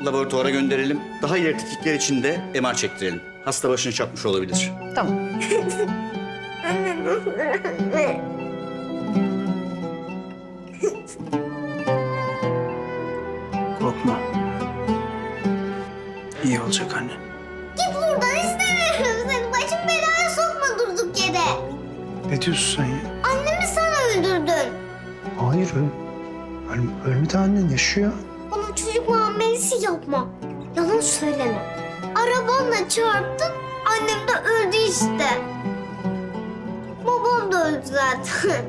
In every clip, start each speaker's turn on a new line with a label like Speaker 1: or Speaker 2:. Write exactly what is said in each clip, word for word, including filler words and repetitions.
Speaker 1: laboratuvara gönderelim. Daha ileri tetkikler için de M R çektirelim. Hasta başını çarpmış olabilir.
Speaker 2: Tamam.
Speaker 3: Korkma. İyi olacak anne.
Speaker 4: Git buradan, istemiyorum seni. Başım belaya sokma durduk yere.
Speaker 3: Ne diyorsun sen ya?
Speaker 4: Annemi sen öldürdün.
Speaker 3: Hayır öl... Öl... Ölmedi annen, yaşıyor.
Speaker 4: Bana çocuk muamelesi yapma. Yalan söyleme. Arabanla çarptın, annem de öldü işte. Babam da öldü zaten.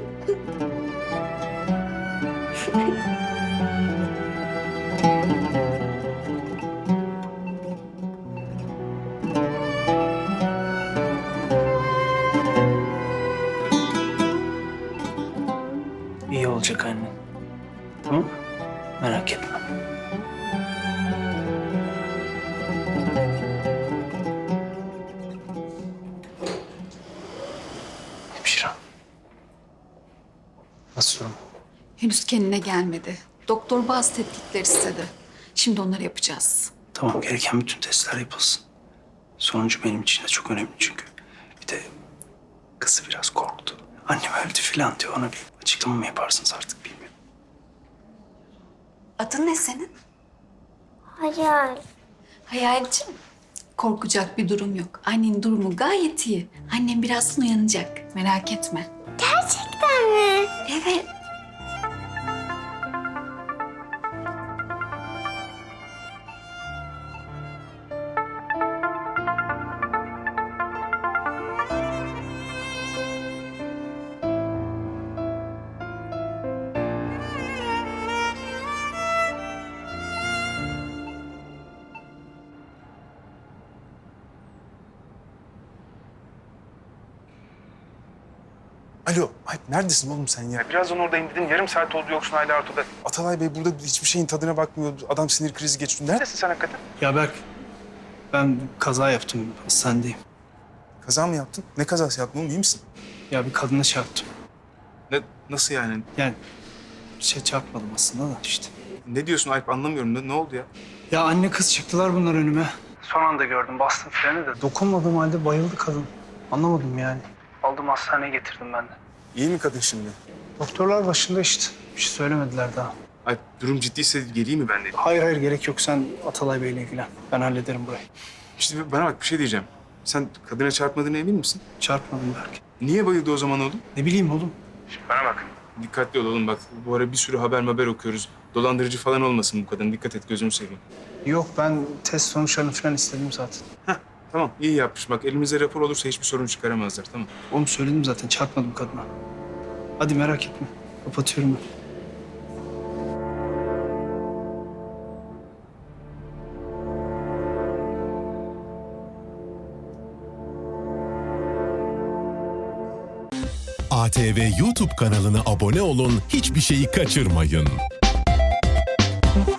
Speaker 3: İyi olacak anne. Tamam mı? Merak etme. Hemşire. Nasıl durum?
Speaker 2: Henüz kendine gelmedi. Doktor bazı tetkikler istedi. Şimdi onları yapacağız.
Speaker 3: Tamam, gereken bütün testler yapılsın. Sonucu benim için de çok önemli çünkü. Bir de kızı biraz korktu. Annem öldü falan diyor. Ona bir açıklama mı yaparsınız artık bilmiyorum.
Speaker 2: Adın ne senin?
Speaker 4: Hayal.
Speaker 2: Hayalciğim. Korkacak bir durum yok. Annenin durumu gayet iyi. Annem birazdan uyanacak. Merak etme.
Speaker 4: Gerçekten mi?
Speaker 2: Evet.
Speaker 5: Alo, Alp neredesin oğlum sen ya?
Speaker 6: Birazdan oradayım dedin. Yarım saat oldu yoksun hala ortada.
Speaker 5: Atalay Bey burada hiçbir şeyin tadına bakmıyor. Adam sinir krizi geçti. Nerede?
Speaker 6: Neredesin sen hakikaten?
Speaker 3: Ya Berk, ben kaza yaptım. Hastanedeyim.
Speaker 5: Kaza mı yaptın? Ne kazası yaptın oğlum? İyi misin?
Speaker 3: Ya bir kadına çarptım.
Speaker 5: Ne, nasıl yani?
Speaker 3: Yani şey çarpmadım aslında da işte.
Speaker 5: Ne diyorsun Alp? Anlamıyorum. Ne, ne oldu ya?
Speaker 3: Ya anne kız çıktılar bunlar önüme. Son anda gördüm. Bastım freni de. Dokunmadığım halde bayıldı kadın. Anlamadım yani. Aldım hastaneye getirdim ben de.
Speaker 5: İyi mi kadın şimdi?
Speaker 3: Doktorlar başında işte. Bir şey söylemediler daha.
Speaker 5: Alp durum ciddiyse geleyim mi ben de?
Speaker 3: Hayır hayır gerek yok. Sen Atalay Bey'le ilgilen. Ben hallederim burayı.
Speaker 5: İşte bana bak bir şey diyeceğim. Sen kadına çarpmadığına emin misin?
Speaker 3: Çarpmadım Berk.
Speaker 5: Niye bayıldı o zaman oğlum?
Speaker 3: Ne bileyim oğlum.
Speaker 6: Bana bak.
Speaker 5: Dikkatli ol oğlum bak. Bu ara bir sürü haber haber okuyoruz. Dolandırıcı falan olmasın bu kadın. Dikkat et gözünü seveyim.
Speaker 3: Yok ben test sonuçlarını falan istedim zaten.
Speaker 5: Heh, tamam iyi yapmış. Bak elimizde rapor olursa hiçbir sorun çıkaramazlar tamam.
Speaker 3: Oğlum söyledim zaten çarpmadım kadına. Hadi merak etme. Kapatıyorum ben.
Speaker 7: A T V YouTube kanalına abone olun, hiçbir şeyi kaçırmayın.